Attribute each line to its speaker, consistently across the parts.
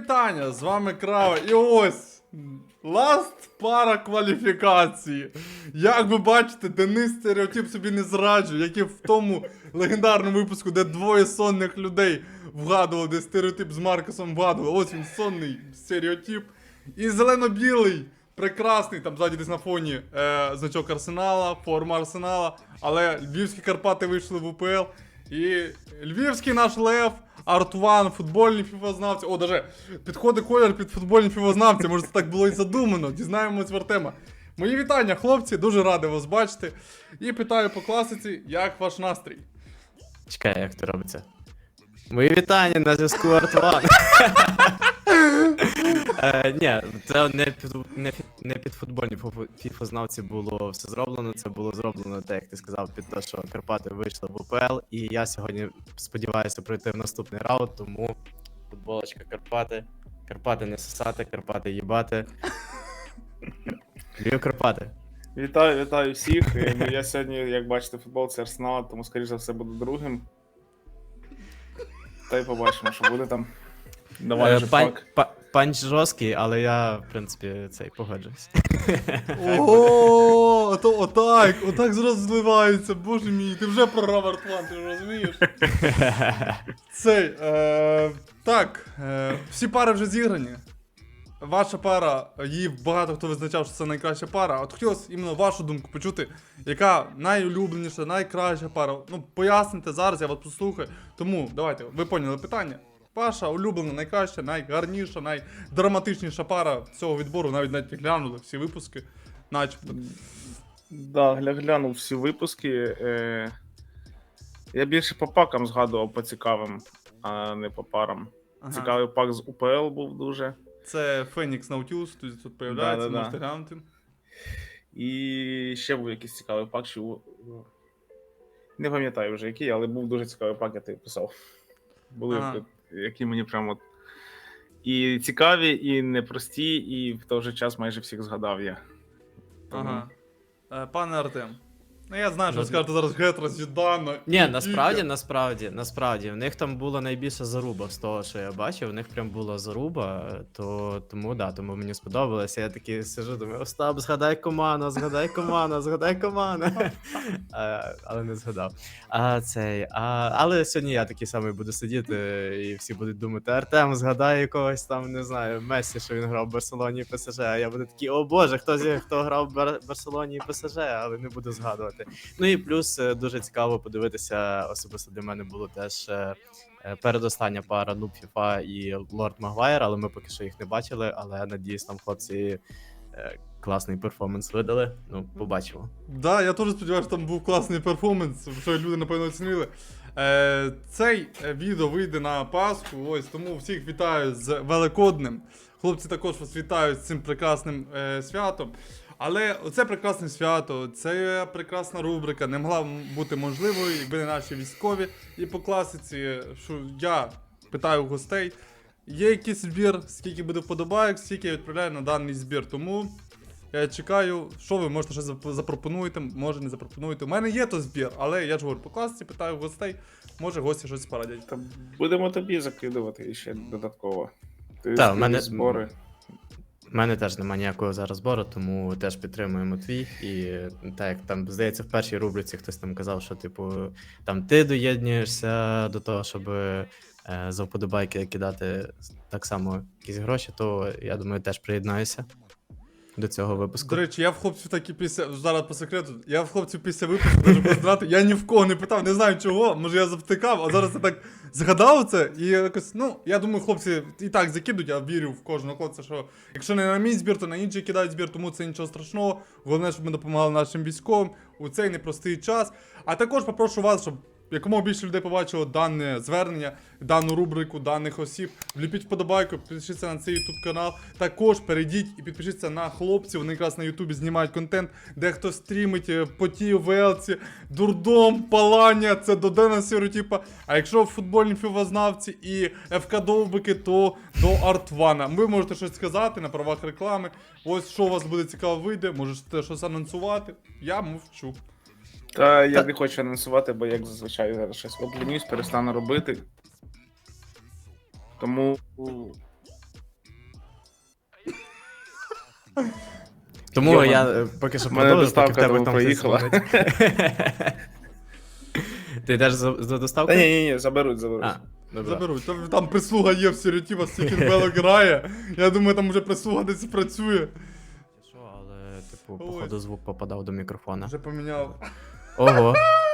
Speaker 1: вітання! З вами Крава. І ось ласт пара кваліфікації. Як ви бачите, Денис стереотип собі не зраджує, як і в тому легендарному випуску, де двоє сонних людей вгадували, де стереотип з Маркусом вгадували. Ось він сонний стереотип. І зелено-білий, прекрасний, там ззаді десь на фоні значок Арсенала, форма Арсенала. Але львівські Карпати вийшли в УПЛ. І львівський наш лев, Артван, футбольні фіфознавці. О, даже підходить колір під футбольні фіфознавці, може це так було і задумано. Дізнаємось в Артема. Мої вітання, хлопці, дуже радий вас бачити. І питаю по класиці, як ваш настрій?
Speaker 2: Чекай, як це робиться. Мої вітання на зв'язку Артван. Ні, це не під футбольні фіфознавці було все зроблено, це було зроблено, так як ти сказав, під те, що Карпати вийшли в УПЛ, і я сьогодні сподіваюся пройти в наступний раунд, тому футболочка Карпати, Карпати не сосати, Карпати їбати. Львів Карпати.
Speaker 3: Вітаю всіх. Я сьогодні, як бачите, футболці Арсенала, тому, скоріш за все, буду другим. Та й побачимо, що буде там. Давай же пак.
Speaker 2: Панч жорсткий, але я, в принципі, цей погоджуюсь.
Speaker 1: О, то отак зразу зливається, боже мій, ти вже програв Артван, ти ж розумієш? Так, всі пари вже зіграні. Ваша пара, її багато хто визначав, що це найкраща пара. От хотілося іменно вашу думку почути, яка найулюбленіша, найкраща пара. Ну, поясните зараз, я вас послухаю. Тому, давайте, ви поняли питання. Ваша улюблена, найкраща, найгарніша, найдраматичніша пара цього відбору, навіть глянули всі випуски, начебто.
Speaker 3: Да, глянув всі випуски. Я більше по пакам згадував, по цікавим, а не по парам.
Speaker 1: Ага.
Speaker 3: Цікавий пак з УПЛ був дуже.
Speaker 1: Це Фенікс Наутілус, тут появляється,
Speaker 3: Да.
Speaker 1: можете глянути.
Speaker 3: І ще був якийсь цікавий пак, що... Не пам'ятаю вже який, але був дуже цікавий пак, я тобі писав. Були, які мені прямо от і цікаві, і непрості, і в той же час майже всіх згадав я. Тому...
Speaker 1: Ага. Пане Артем. Ну я знаю, що ви скажете зараз Гетро, Зідана.
Speaker 2: Ні, насправді, в них там була найбільша заруба з того, що я бачив, в них прям була заруба, тому мені сподобалося. Я такий сижу, думаю, Остап, згадай команду, але не згадав. Але сьогодні я такий самий буду сидіти, і всі будуть думати, Артем, згадай якогось там, не знаю, Мессі, що він грав в Барселоні і ПСЖ, а я буду такий, о боже, хто грав в Барселоні і ПСЖ, але не буду згадувати. Ну і плюс дуже цікаво подивитися, особисто для мене було теж передостання пара Нуб Фіфа і Лорд Магуайр, але ми поки що їх не бачили, але надіюсь, там хлопці класний перформанс видали, ну, побачимо.
Speaker 1: Да, я теж сподіваюся, що там був класний перформанс, що люди, напевно, оцінили. Цей відео вийде на Пасху, ось, тому всіх вітаю з Великоднем. Хлопці також вас вітають з цим прекрасним святом. Але оце прекрасне свято, це прекрасна рубрика не могла бути можливою, якби не наші військові. І по класиці, що я питаю у гостей, є якийсь збір, скільки буде вподобайок, скільки я відправляю на даний збір. Тому я чекаю, що ви можете щось запропонуєте, може не запропонуєте. У мене є то збір, але я ж говорю, по класиці питаю у гостей, може гості щось порадять.
Speaker 3: Та будемо тобі закидувати ще додатково.
Speaker 2: Так, в мене...
Speaker 3: збори.
Speaker 2: У мене теж немає ніякого зараз збору, тому теж підтримуємо твій. І так, як там, здається, в першій рубриці хтось там казав, що, типу, там ти доєднуєшся до того, щоб за вподобайки кидати так само якісь гроші, то, я думаю, теж приєднаюся до цього випуску.
Speaker 1: До речі, я в хлопців таки зараз по секрету, я в хлопців після випуску дуже поздрати, я ні в кого не питав, не знаю чого, може я завтикав, а зараз я так згадав це, і якось, ну, я думаю, хлопці і так закидуть, я вірю в кожного хлопця, що якщо не на мій збір, то на інший кидають збір, тому це нічого страшного, головне, щоб ми допомагали нашим військовим у цей непростий час. А також попрошу вас, щоб якомога більше людей побачило дане звернення, дану рубрику, даних осіб. Вліпіть вподобайку, підпишіться на цей YouTube канал. Також перейдіть і підпишіться на хлопців. Вони якраз на Ютубі знімають контент, де хто стрімить поті, велці, дурдом, палання, це до Дена Стереотипа. А якщо футбольні фівознавці і ФК Довбики, то до Артвана. Ви можете щось сказати на правах реклами. Ось що у вас буде цікаво вийде, можете щось анонсувати. Я мовчу.
Speaker 3: Та я не хочу анонсувати, бо як зазвичай зараз щось облінюсь, перестану робити. Тому
Speaker 2: Тому
Speaker 3: Йоман.
Speaker 2: я поки що
Speaker 3: В мене
Speaker 2: продовжу, поки в
Speaker 3: доставка
Speaker 2: тебе
Speaker 3: тому
Speaker 2: там хтось
Speaker 3: проїхала.
Speaker 2: дзвонить. Ти йдеш за доставку?
Speaker 3: Та ні, заберуть.
Speaker 2: А, добре.
Speaker 1: Заберуть. Там прислуга є в стереотипах, Стікін Белок грає. Я думаю, там вже прислуга десь працює.
Speaker 2: Що, але, типу,
Speaker 1: Ой.
Speaker 2: походу звук попадав до мікрофона.
Speaker 1: Вже поміняв.
Speaker 2: Ого.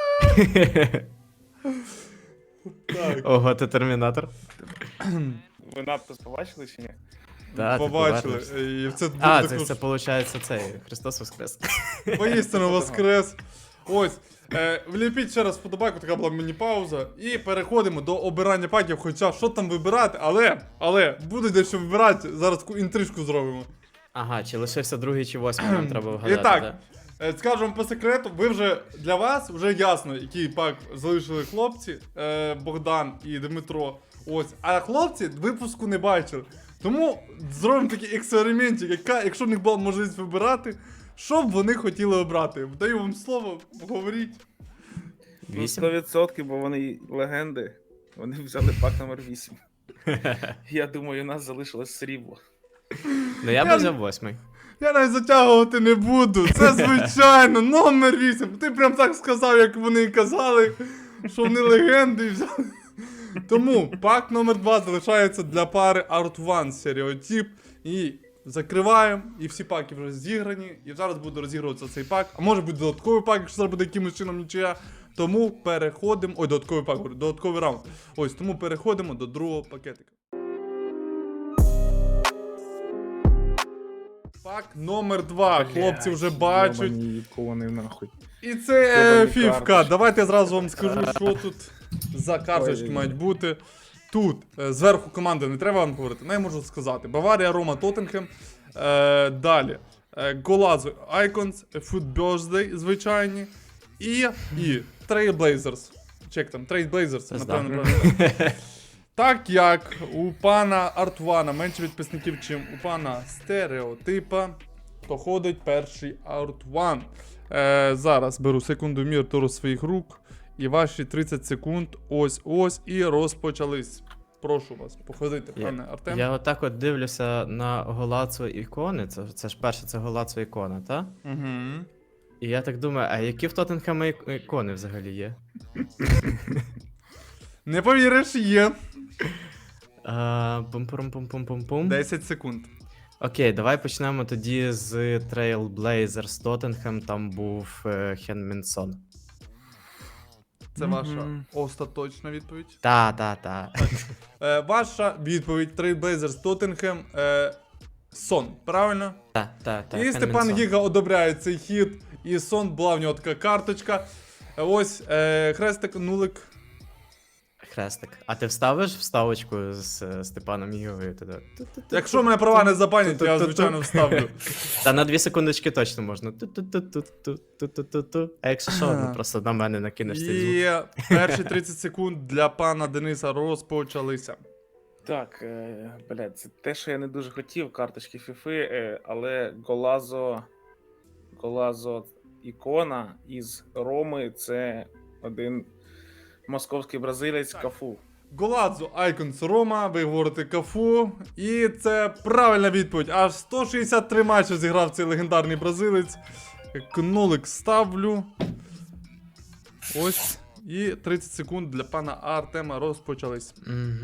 Speaker 1: Так,
Speaker 2: Ого, ти термінатор?
Speaker 3: Ви надпис побачили чи ні?
Speaker 2: Да, ти
Speaker 1: побачили.
Speaker 2: повернешся.
Speaker 1: І це
Speaker 2: А,
Speaker 1: дуже
Speaker 2: це виходить цей Христос Воскрес.
Speaker 1: Воістину воскрес. Ось. Вліпіть ще раз вподобайку, така була міні-пауза. І переходимо до обирання паків. Хоча що там вибирати, але буде дещо вибирати. Зараз таку інтрижку зробимо.
Speaker 2: Ага, чи лишився другий чи восьмий, нам треба вгадати,
Speaker 1: І так,
Speaker 2: да?
Speaker 1: скажу вам по секрету, ви вже для вас вже ясно, який пак залишили хлопці, Богдан і Дмитро. Ось. А хлопці випуску не бачили. Тому зробимо такий експериментик, якщо в них була можливість вибирати, що б вони хотіли обрати. Даю вам слово, говоріть.
Speaker 3: Ну,
Speaker 2: 8?
Speaker 3: 100%, бо вони легенди. Вони взяли пак номер 8. Я думаю, у нас залишилось срібло.
Speaker 2: Ну я б взяв восьмий.
Speaker 1: Я навіть затягувати не буду. Це звичайно, номер 8. Ти прям так сказав, як вони і казали, що вони легенди і взяли. Тому пак номер 2 залишається для пари Art One стереотип. І закриваємо, і всі паки вже зіграні. І зараз буде розігруватися цей пак. А може бути додатковий пак, якщо зараз буде якимось чином нічия. Тому переходимо. Ой, додатковий пак, говорю, додатковий раунд. Ось, тому переходимо до другого пакетика. Пак номер 2. Хлопці вже бачать.
Speaker 3: Йобані ікони, нахуй.
Speaker 1: І це
Speaker 3: Йобані
Speaker 1: фівка.
Speaker 3: карточки.
Speaker 1: Давайте я зразу вам скажу, що тут за карточки
Speaker 3: Ой.
Speaker 1: мають бути. Тут зверху команди не треба вам говорити, не можу сказати. Баварія, Рома, Тоттенхем. Далі. Голазо, Icons, Food Birthday, звичайні. І Trailblazers. Чек там, Trailblazers,
Speaker 2: Пизда.
Speaker 1: напевно, правильно. Так як у пана Артвана менше підписників, чим у пана Стереотипа, то ходить перший Артван. Зараз беру секунду мір до своїх рук. І ваші 30 секунд ось і розпочались. Прошу вас, походити, пане Артем.
Speaker 2: Я отак от дивлюся на голацу ікони. Це ж перше, це голацу ікона, так?
Speaker 1: Угу.
Speaker 2: І я так думаю, а які в Тоттенхема ікони взагалі є?
Speaker 1: Не повіриш, є.
Speaker 2: Пум-пум-пум-пум-пум-пум.
Speaker 1: 10 секунд.
Speaker 2: Окей, давай почнемо тоді з Trailblazers Тоттенхем, там був Хенмінсон.
Speaker 1: Це ваша остаточна відповідь.
Speaker 2: Та.
Speaker 1: Ваша відповідь Trailblazers Тоттенхем. Сон, правильно?
Speaker 2: Та.
Speaker 1: І Степан Гіга одобряє цей хід. І Сон була в нього така карточка. Ось хрестик, нулик.
Speaker 2: Хрестик. А ти вставиш вставочку з Степаном Гігою туди?
Speaker 1: Якщо мене права не забанять, я звичайно вставлю.
Speaker 2: Та на 2 секундочки точно можна. Ту-ту-ту-ту-ту-ту-ту-ту. А якщо що, ну просто на мене накинеш цей звук.
Speaker 1: І перші 30 секунд для пана Дениса розпочалися.
Speaker 3: Так, блядь, це те, що я не дуже хотів, карточки Фіфи, але Голазо ікона із Роми це один московський бразилець Кафу.
Speaker 1: Голадзо Айконс Рома, ви говорите Кафу. І це правильна відповідь. Аж 163 матчі зіграв цей легендарний бразилець. Нулик ставлю. Ось. І 30 секунд для пана Артема розпочались.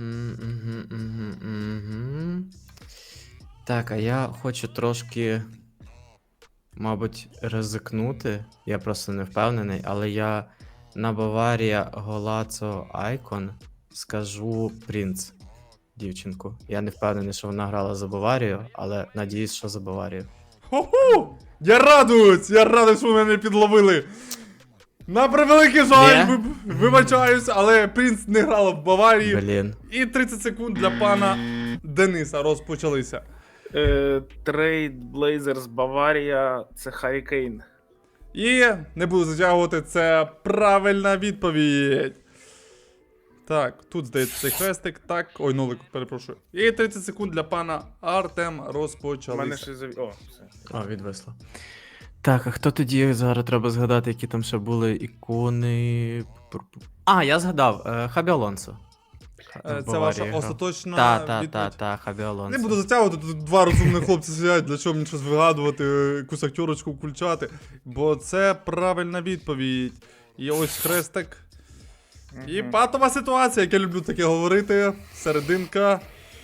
Speaker 2: Так, а я хочу трошки, мабуть, ризикнути. Я просто не впевнений, але я на Баварія Голацо Айкон скажу Принц, дівчинку. Я не впевнений, що вона грала за Баварію, але надіюсь, що за Баварію.
Speaker 1: Хо-ху! Я радий, що ви мене підловили. На превеликий жаль,
Speaker 2: Ні?
Speaker 1: вибачаюсь, але Принц не грала в Баварії.
Speaker 2: Блін.
Speaker 1: І 30 секунд для пана Дениса розпочалися.
Speaker 3: Trailblazers Баварія це Харі Кейн.
Speaker 1: І не буду затягувати, це правильна відповідь. Так, тут здається цей хрестик. Так, ой, нулик, перепрошую. І 30 секунд для пана Артема
Speaker 3: У мене
Speaker 1: розпочалися.
Speaker 3: ще О, все.
Speaker 2: О, відвисло. Так, а хто тоді зараз треба згадати, які там ще були ікони. А, я згадав, Хабі Алонсо.
Speaker 1: Це
Speaker 2: Баварії
Speaker 1: ваша
Speaker 2: грав.
Speaker 1: остаточна
Speaker 2: Та,
Speaker 1: відповідь?
Speaker 2: Хабі Алонсо.
Speaker 1: Не буду затягувати, тут два розумних хлопці сидять, для чого мені щось вигадувати, якусь актерочку включати. Бо це правильна відповідь. І ось хрестик. І патова ситуація, як я люблю таке говорити. Серединка.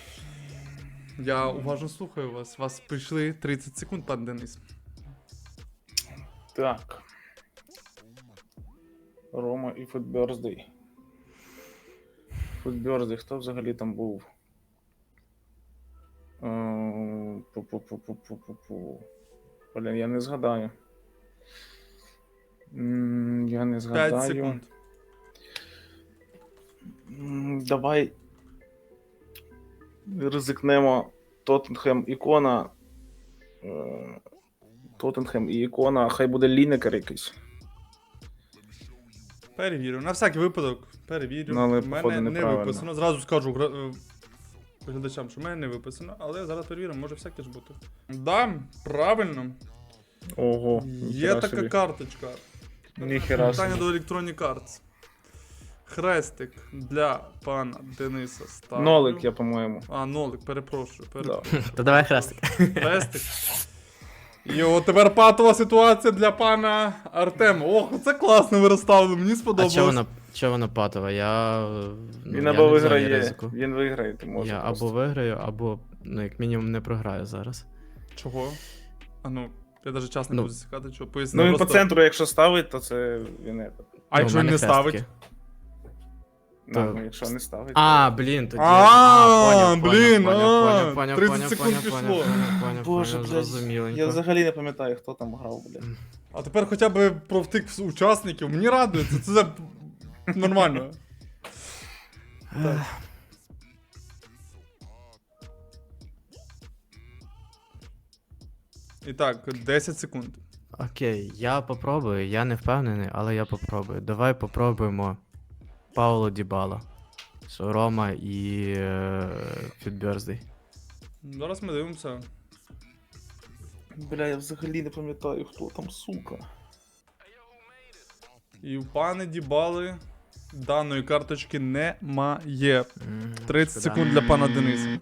Speaker 1: Я уважно слухаю вас. Вас прийшли 30 секунд, пан Денис.
Speaker 3: Так. Рома і Футберздей. Футберздей, хто взагалі там був? Пу-пу-пу-пу-пу-пу-пу. Блін, я не згадаю. Я не
Speaker 1: 5
Speaker 3: згадаю.
Speaker 1: секунд.
Speaker 3: Давай ризикнемо Тоттенхем ікона. Тоттенхем і ікона, хай буде Лінекер якийсь.
Speaker 1: Перевірю. На всякий випадок. Перевірю.
Speaker 3: Ну, але,
Speaker 1: в мене
Speaker 3: походу,
Speaker 1: не
Speaker 3: неправильно.
Speaker 1: виписано. Зразу скажу глядачам, що в мене не виписано, але зараз перевіримо, може всяке ж бути. Да, правильно.
Speaker 3: Ого.
Speaker 1: Є така карточка.
Speaker 3: Ніхера
Speaker 1: Питання
Speaker 3: собі.
Speaker 1: до Electronic Arts. Хрестик для пана Дениса ставлю.
Speaker 3: Нолик, я, по-моєму.
Speaker 1: А, нолик, перепрошую.
Speaker 3: Да.
Speaker 2: То давай хрестик.
Speaker 1: Хрестик. І от тепер патова ситуація для пана Артема. Ох, це класно ви розставили, мені
Speaker 2: А
Speaker 1: сподобалось.
Speaker 2: чого вона патова? Я.
Speaker 3: Він
Speaker 2: я
Speaker 3: або
Speaker 2: не в зоні
Speaker 3: виграє,
Speaker 2: ризику.
Speaker 3: він виграє, ти можеш.
Speaker 2: Я
Speaker 3: просто.
Speaker 2: або виграю, або, ну, як мінімум, не програю зараз.
Speaker 1: Чого? А ну, я навіть час не
Speaker 2: Ну.
Speaker 1: буду засікати, що поясню.
Speaker 3: Ну він по
Speaker 1: просто.
Speaker 3: центру, якщо ставить, то це він не.
Speaker 1: А якщо
Speaker 2: Ну, в
Speaker 1: він
Speaker 2: мене
Speaker 1: не ставить?
Speaker 2: хрестики.
Speaker 3: Ну, якщо не ставить.
Speaker 2: А, блін, тоді.
Speaker 1: А, блін,
Speaker 2: поняв,
Speaker 1: 30 секунд пішло.
Speaker 3: Боже, блядь,
Speaker 2: зрозуміленько.
Speaker 3: я взагалі не пам'ятаю, хто там грав, блядь.
Speaker 1: А тепер хоча б про втик учасників. Мені радує, це нормально. Так. І так, 10 секунд.
Speaker 2: Окей, я попробую, я не впевнений, але я попробую. Давай попробуємо Пауло Дібала. Що Рома і Фітберздей.
Speaker 1: Зараз ми дивимося.
Speaker 3: Бля, я взагалі не пам'ятаю, хто там, сука.
Speaker 1: І у пани Дібали даної карточки немає. 30 секунд для пана Дениса.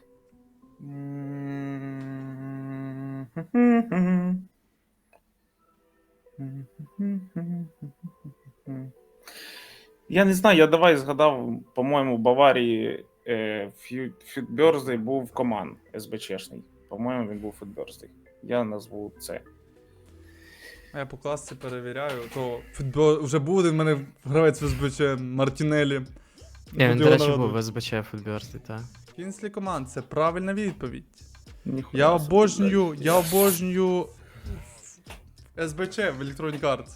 Speaker 3: Я не знаю, я давай згадав, по-моєму, в Баварії Фютберздей був команд СБЧшний. По-моєму, він був Фютберздей. Я назву це.
Speaker 1: А я по класці перевіряю, то футбол вже буде в мене гравець в СБЧ Мартінелі.
Speaker 2: Ні, він,
Speaker 1: Буду
Speaker 2: до
Speaker 1: його
Speaker 2: речі,
Speaker 1: нагадувати.
Speaker 2: був в СБЧ Футберздей, так.
Speaker 1: Кінслі команд, це правильна відповідь.
Speaker 3: Ніхуя
Speaker 1: Я
Speaker 3: собі,
Speaker 1: обожнюю,
Speaker 3: блядь.
Speaker 1: я обожнюю СБЧ в Electronic Arts.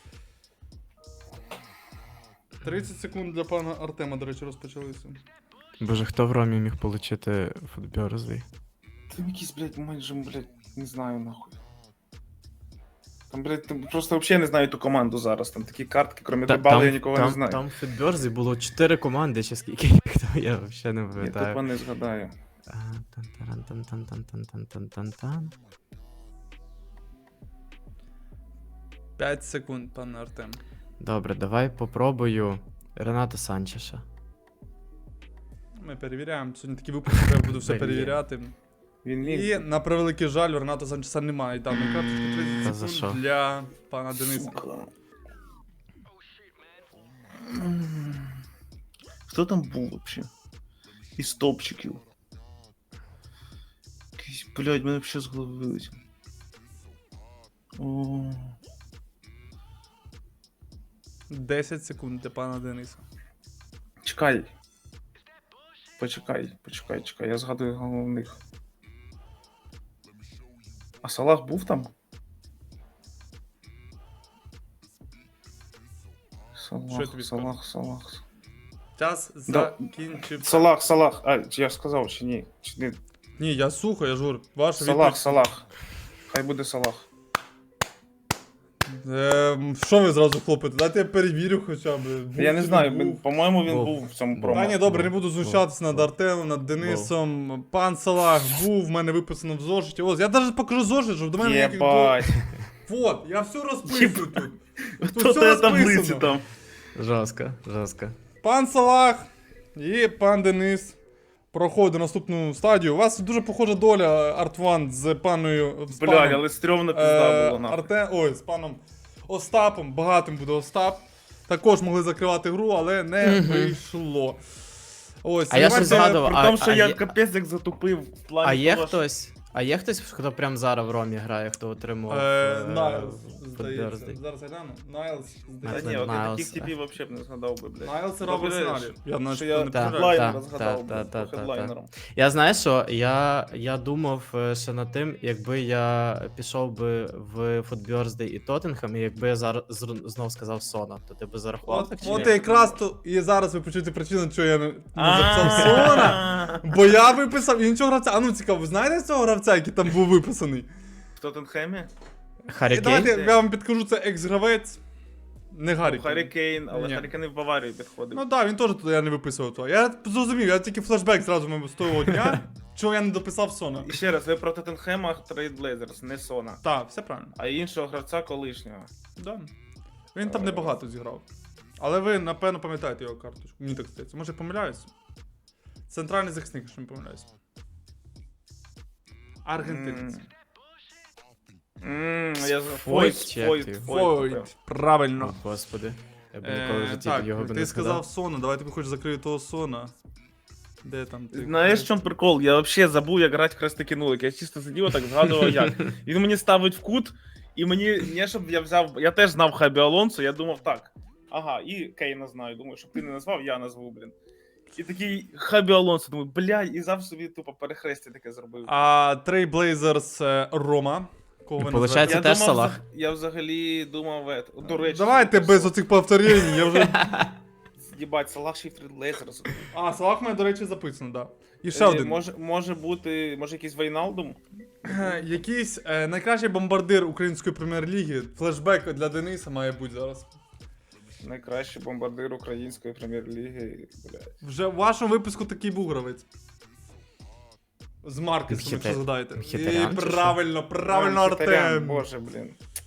Speaker 1: 30 секунд для пана Артема, до речі, розпочалися.
Speaker 2: Боже, хто в Ромі міг отримати Футберздей?
Speaker 3: Там якийсь, блядь, майже, блядь, не знаю нахуй. Там, блядь, там просто взагалі не знаю ту команду зараз. Там такі картки, крім Дебали, я нікого не знаю.
Speaker 2: Там в Футберздей було 4 команди, чи скільки хто, я взагалі не
Speaker 3: Я
Speaker 2: пам'ятаю.
Speaker 3: тупо не згадаю.
Speaker 2: Тан-таран-тан-тан-тан-тан-тан-тан.
Speaker 1: 5 секунд, пане Артем.
Speaker 2: Добре, давай попробую Рената Санчеша.
Speaker 1: Ми перевіряємо. Сьогодні такий випуск, я буду все
Speaker 2: Перевіряємо.
Speaker 1: перевіряти.
Speaker 3: Він
Speaker 1: І,
Speaker 3: ліг.
Speaker 1: на превеликий жаль, у Рената Санчеса немає даної карточки.
Speaker 2: Та
Speaker 1: 30
Speaker 2: за
Speaker 1: секунд
Speaker 2: що?
Speaker 1: для пана Дениса.
Speaker 3: Сука. Хто там був вообще? Із топчиків. Якийсь, блядь, мене вообще з голови вилетів. О,
Speaker 1: 10 секунд для пана Дениса.
Speaker 3: чекай. Почекай. Я згадую головних. А Салах був там?
Speaker 1: Що я тобі
Speaker 3: Салах.
Speaker 1: Час
Speaker 3: Да.
Speaker 1: закінчив.
Speaker 3: Салах. А, я сказав, чи ні? Чи не?
Speaker 1: Ні, я слухаю, я жур. Ваша відповідь.
Speaker 3: Салах. Хай буде Салах.
Speaker 1: Що ви зразу хлопите? Дайте я перевірю хоча б. Був
Speaker 3: Я не
Speaker 1: чи
Speaker 3: знаю,
Speaker 1: був.
Speaker 3: по-моєму, він
Speaker 2: Був.
Speaker 3: був в цьому
Speaker 2: Був.
Speaker 3: промо.
Speaker 1: Та ні, добре, не буду знущатися над Артемом, над Денисом. Пан Салах був, в мене виписано в зошиті. Ось, я навіть покажу зошит, щоб до мене ніяких...
Speaker 3: Єбать.
Speaker 1: Вот, я все розписую тут. Тут
Speaker 3: Хто
Speaker 1: все
Speaker 3: тебе таблиці
Speaker 1: розписано.
Speaker 3: там?
Speaker 2: Жорстко.
Speaker 1: Пан Салах І пан Денис проходить наступну стадію. У вас дуже похожа доля, Артван, з паною... з
Speaker 3: Блядь,
Speaker 1: паном,
Speaker 3: але стрьомна пизда була, нахуй.
Speaker 1: Ой, з паном Остапом, багатим буде Остап. Також могли закривати гру, але не вийшло. Ось,
Speaker 2: А я
Speaker 1: давайте-
Speaker 2: щось згадував.
Speaker 3: При тому, що
Speaker 2: а
Speaker 3: я
Speaker 2: є-
Speaker 3: капець як затупив в плані
Speaker 2: А є
Speaker 3: того, що-
Speaker 2: хтось? А є хтось, хто прям зараз в Ромі грає, хто отримав
Speaker 1: Найлз,
Speaker 2: Фудберзді?
Speaker 1: здається. Зараз я гляну. Найлз,
Speaker 3: Та
Speaker 1: здається.
Speaker 3: ні, от я
Speaker 2: Найлз,
Speaker 3: таких типів взагалі б не згадав би, блядь.
Speaker 1: Найлз грав в
Speaker 3: Добре,
Speaker 1: Арсеналі. Я
Speaker 3: що
Speaker 1: наче
Speaker 3: я
Speaker 1: не
Speaker 2: Та,
Speaker 3: хедлайнера
Speaker 2: та,
Speaker 3: згадав,
Speaker 2: та,
Speaker 3: блядь,
Speaker 2: та,
Speaker 3: по
Speaker 2: та,
Speaker 3: хедлайнерам.
Speaker 2: Я знаєш що, я думав ще над тим, якби я пішов би в Футберзді і Тоттенхем, і якби я зараз знов сказав Сона, то ти би зарахував так чи
Speaker 1: От
Speaker 2: ні?
Speaker 1: якраз то і зараз ви почуєте причину, чого я не записав Сона. Бо я виписав іншого гравця. А ну цікаво, ви знаєте цього гравця, який там був виписаний?
Speaker 3: В Тоттенхемі?
Speaker 2: Харі
Speaker 1: І давайте
Speaker 2: Кейн?
Speaker 1: я вам підкажу, це екс-гравець. Не Гаррі.
Speaker 3: Харі Кейн, але
Speaker 1: Ні.
Speaker 3: Харі Кейн і в Баварію підходив.
Speaker 1: Ну так, він теж туди я не виписував того. Я зрозумів, я тільки флешбек зразу мав з того дня, чого я не дописав Сона.
Speaker 3: І ще раз, ви про Тоттенхема Трейдблейзерс, не Сона.
Speaker 1: Так, все правильно.
Speaker 3: А іншого гравця колишнього.
Speaker 1: Да. Він там небагато зіграв. Але ви, напевно, пам'ятаєте його карточку. Мені так здається. Може, я помиляюсь? Центральний захисник, якщо не помиляюсь. Аргентинець.
Speaker 3: Я
Speaker 2: Фойт чи як ти?
Speaker 1: Фойт. Правильно.
Speaker 2: О, господи. Я б ніколи в житті
Speaker 1: Так,
Speaker 2: його б
Speaker 1: ти
Speaker 2: не
Speaker 1: сказав
Speaker 2: згадав.
Speaker 1: Сона, давай тобі хоч закрию того Сона. Де там ти?
Speaker 3: Знаєш, в чому прикол? Я взагалі забув, як грати хрестики нулик. Я чисто сидів, так згадував як. Він мені ставить в кут, і мені, не щоб я взяв, я теж знав Хабі Алонсо, я думав так. Ага, і Кейна знаю, думаю, щоб ти не назвав, я назву, блін. І такий Хабі Алонсо, думаю, блядь, і завжди собі тупо перехрестя таке зробив.
Speaker 1: А Трейблейзерс Рома. Кого ви
Speaker 2: Получається,
Speaker 1: називаєте?
Speaker 2: теж Салах.
Speaker 3: Я взагалі думав, до речі,
Speaker 1: Давайте без оцих повторень, я вже...
Speaker 3: Їбать, Салах Шифрід Лейзер.
Speaker 1: А, Салах мене, до речі, записано, так. Да. І ще один.
Speaker 3: Може бути, може якийсь Вейналдум?
Speaker 1: Якийсь найкращий бомбардир української прем'єр-ліги. Флешбек для Дениса має бути зараз.
Speaker 3: Найкращий бомбардир української прем'єр-ліги, блядь.
Speaker 1: Вже в вашому випуску такий був гравець. З Маркесом, якщо згадаєте.
Speaker 2: Мхітарян
Speaker 1: І
Speaker 2: чи що?
Speaker 1: правильно,
Speaker 3: Мхітарян,
Speaker 1: Артем.
Speaker 3: Боже, блін.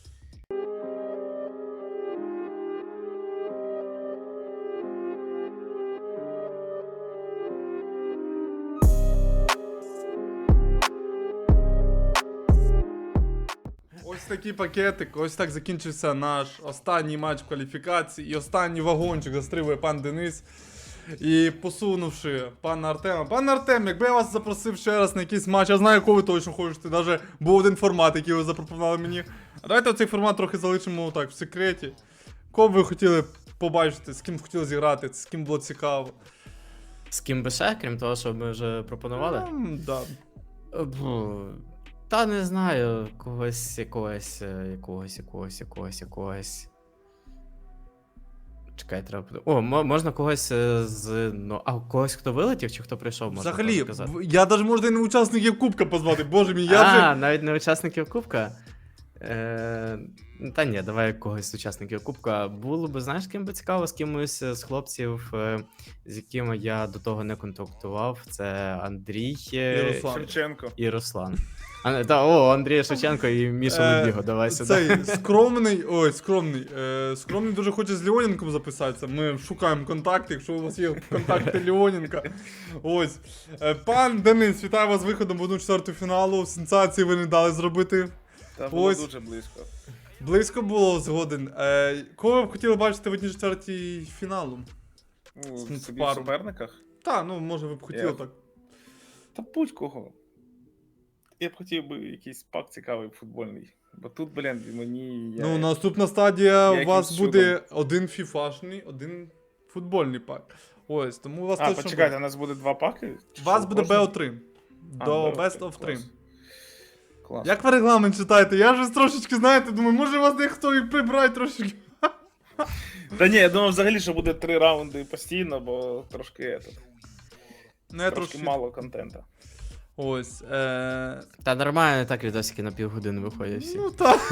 Speaker 1: Ось такий пакетик, ось так закінчився наш останній матч кваліфікації і останній вагончик застрибує пан Денис. І посунувши пана Артема. Пан Артем, якби я вас запросив ще раз на якийсь матч, я знаю, якого ви точно хочете, навіть був один формат, який ви запропонували мені. А давайте цей формат трохи залишимо так, в секреті. Кого б ви хотіли побачити, з ким хотіли зіграти, з ким було цікаво.
Speaker 2: З ким би ще, крім того, що ми вже пропонували?
Speaker 1: Да.
Speaker 2: Та не знаю, якогось. Чекай, треба подумати. О, можна когось з. Ну, а когось, хто вилетів, чи хто прийшов, можна
Speaker 1: Взагалі,
Speaker 2: теж казати.
Speaker 1: я навіть можна і не учасників Кубка позвати, боже мій, я вже...
Speaker 2: Навіть не учасників Кубка. Та ні, давай когось з учасників Кубка. Було би, знаєш, ким би цікаво, з кимось з хлопців, з якими я до того не контактував. Це Андрій
Speaker 1: Руслан.
Speaker 3: Шевченко.
Speaker 2: і Руслан. Андрій Шевченко і Міша Лебіго, давай сюди.
Speaker 1: Цей скромний дуже хоче з Леоненком записатися. Ми шукаємо контакти, якщо у вас є контакти Леоненка. Ось. Пан Денис, вітаю вас з виходом в 1/4 фіналу. Сенсації ви не дали зробити.
Speaker 3: Та було
Speaker 1: Ось.
Speaker 3: дуже близько.
Speaker 1: Близько було згоден. Кого ви б хотіли бачити в 1/4 фіналу?
Speaker 3: Ну,
Speaker 1: З
Speaker 3: собі в
Speaker 1: пару.
Speaker 3: суперниках.
Speaker 1: Та, ну може ви б хотіли
Speaker 3: Я-
Speaker 1: так.
Speaker 3: Та будь-кого. Я б хотів би якийсь пак цікавий футбольний. Бо тут, блін, мені.
Speaker 1: Ну, наступна стадія у
Speaker 3: якимсь
Speaker 1: вас
Speaker 3: чудом.
Speaker 1: буде один фіфашний, один футбольний пак. Ось, тому у вас
Speaker 3: А,
Speaker 1: точно
Speaker 3: почекайте, у нас буде два паки?
Speaker 1: У вас
Speaker 3: Що,
Speaker 1: буде
Speaker 3: можна?
Speaker 1: BO3.
Speaker 3: А,
Speaker 1: До
Speaker 3: BO3,
Speaker 1: Best of 3.
Speaker 3: клас. Клас.
Speaker 1: Як ви регламент читаєте? Я вже трошечки, знаєте, думаю, може вас дехто і прибрати трошечки.
Speaker 3: Та ні, я думав взагалі, що буде 3 раунди постійно, бо трошки
Speaker 1: Ну, я
Speaker 3: трошки
Speaker 1: трошки...
Speaker 3: мало контента.
Speaker 1: Ось.
Speaker 2: Та нормально, так відосики на півгодини виходять всі.
Speaker 1: Ну так.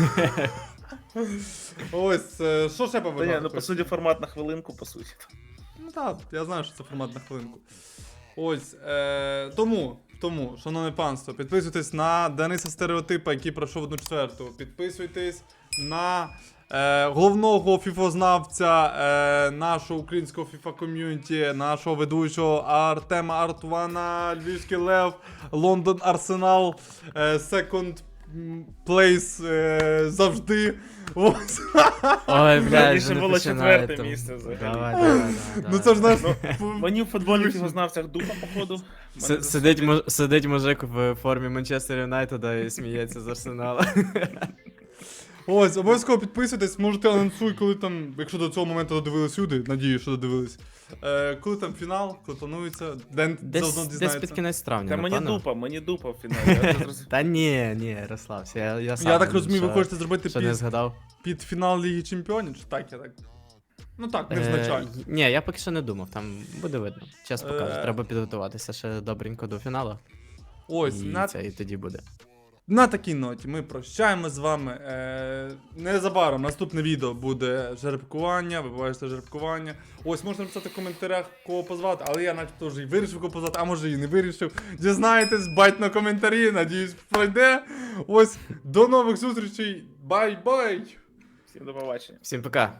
Speaker 1: Ось, що ще
Speaker 3: Та ні,
Speaker 1: побажати?
Speaker 3: ну по суті формат на хвилинку, по суті.
Speaker 1: Ну так, я знаю, що це формат на хвилинку. Ось, тому, шановне панство, підписуйтесь на Дениса Стереотипа, який пройшов 1/4. Підписуйтесь на головного фіфознавця нашого українського FIFA ком'юніті, нашого ведучого Артема Артвана, Львівський Лев, Лондон Арсенал, second place завжди. Ось.
Speaker 2: Ой, блядь,
Speaker 3: Раніше
Speaker 2: вже не
Speaker 3: було
Speaker 2: починає
Speaker 3: четверте
Speaker 2: там.
Speaker 3: місце взагалі.
Speaker 2: Давай.
Speaker 1: Ну це ж наш...
Speaker 3: Мені в футболі фігознавцях дупа, походу. Мене
Speaker 2: Сидить мужик в формі Манчестер Юнайтеда і сміється з Арсенала.
Speaker 1: Ось, обов'язково підписуйтесь, можете анонсуй, коли там, якщо до цього моменту додивились люди, надію, що додивились. Коли там фінал, коли планується, Ден заодно
Speaker 2: Десь
Speaker 1: дізнається.
Speaker 2: під кінець травня,
Speaker 3: Та
Speaker 2: напевно.
Speaker 3: мені дупа в фіналі. Я це зрозумів.
Speaker 2: Та ні, розслабся, я сам.
Speaker 1: Я так розумію, ви
Speaker 2: що-
Speaker 1: хочете зробити
Speaker 2: що не згадав.
Speaker 1: під фінал Ліги Чемпіонів, чи так, я так? Ну так, невзначально.
Speaker 2: Ні, я поки що не думав, там буде видно. Час покаже,
Speaker 1: Е.
Speaker 2: треба підготуватися ще добренько до фіналу.
Speaker 1: Ось,
Speaker 2: І тоді буде.
Speaker 1: на такій ноті ми прощаємо з вами. Незабаром наступне відео буде жеребкування, ви побачите жеребкування. Ось, можна написати в коментарях, кого позвати, але я начебто вже і вирішив кого позвати, а може і не вирішив. Дізнаєтесь, бать на коментарі, надіюсь, пройде. Ось, до нових зустрічей, бай-бай!
Speaker 3: Всім до побачення.
Speaker 2: Всім пока.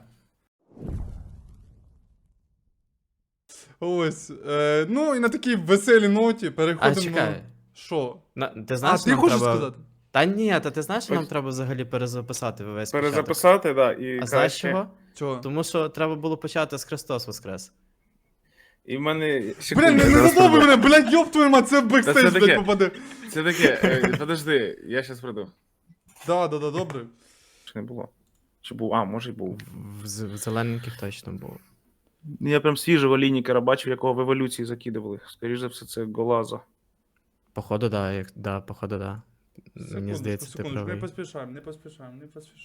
Speaker 1: Ось, ну і на такій веселій ноті
Speaker 2: А
Speaker 1: переходимо.
Speaker 2: чекай.
Speaker 1: Що?
Speaker 2: Ти знаєш,
Speaker 1: А, ти
Speaker 2: нам
Speaker 1: хочеш
Speaker 2: треба...
Speaker 1: сказати?
Speaker 2: Та ні, ти знаєш, що нам
Speaker 3: Ось.
Speaker 2: треба взагалі перезаписати весь початок?
Speaker 3: Перезаписати, да, і
Speaker 2: А знаєш
Speaker 3: краще.
Speaker 2: чого?
Speaker 1: Чого?
Speaker 2: Тому що треба було почати з Христос Воскрес.
Speaker 3: І в мене...
Speaker 1: Блін,
Speaker 3: секунду,
Speaker 1: не
Speaker 3: зараз
Speaker 1: задовби
Speaker 3: прийду.
Speaker 1: мене, блядь, ёб твою мать, це в
Speaker 3: Та це
Speaker 1: бекстейдж,
Speaker 3: таке.
Speaker 1: блядь, попаде.
Speaker 3: Це таке, подожди, я щас прийду.
Speaker 1: Да, добре.
Speaker 3: Чи не було? Чи був? А, може й був.
Speaker 2: В зелененьких точно було.
Speaker 3: Я прям свіжого лінікера бачив, якого в еволюції закидували. Скоріше за все, це Голаза.
Speaker 2: Походу, походу, да. Мені здається, ти
Speaker 1: Секундочку,
Speaker 2: правий.
Speaker 1: не поспішаємо.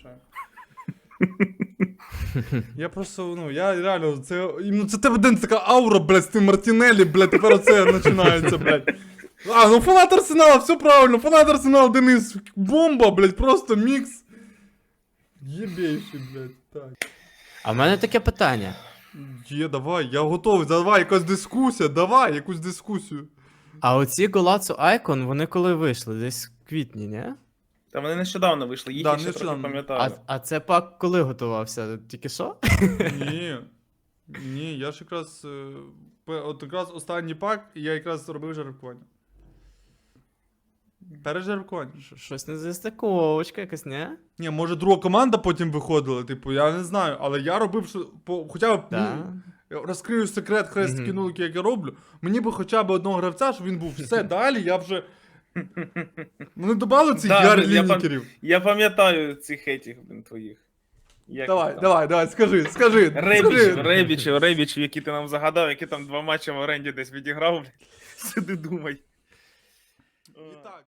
Speaker 1: Я просто, ну, я реально, це тебе день така аура, блядь, з тим Мартінелі, блядь, тепер оце починається, блядь. А, ну фанат Арсенала, все правильно, фанат Арсенала, Денис, бомба, блядь, просто мікс. Єбейший, блядь, так.
Speaker 2: А в мене таке питання.
Speaker 1: Давай, я готовий, давай, якась дискусія, давай, якусь дискусію.
Speaker 2: А оці Голацу Айкон, вони коли вийшли? Десь в квітні, ні?
Speaker 3: Та вони нещодавно вийшли, їх
Speaker 1: Да,
Speaker 3: я ще трохи
Speaker 1: нещодавно.
Speaker 3: пам'ятаю.
Speaker 2: А це пак коли готувався? Тільки що?
Speaker 1: Ні, я ж якраз, от якраз останній пак, і я якраз робив жеребкування. Пережеребкування.
Speaker 2: Щось не застиковочка якась, ні?
Speaker 1: Ні, може друга команда потім виходила, типу, я не знаю, але я робив, що, хоча б,
Speaker 2: Да.
Speaker 1: ну, розкрию секрет хрест
Speaker 2: Мгм.
Speaker 1: кінулки, як я роблю, мені би хоча б одного гравця, щоб він був все далі, я вже... Вони додали цих
Speaker 3: Да,
Speaker 1: яр
Speaker 3: блін, я
Speaker 1: лінікерів.
Speaker 3: Я пам'ятаю цих етіх, блін, твоїх. Як
Speaker 1: Давай,
Speaker 3: там?
Speaker 1: давай, скажи.
Speaker 3: Ребічів, які ти нам загадав, які там 2 матчі в оренді десь відіграв, блін. Сиди думай.
Speaker 1: І так.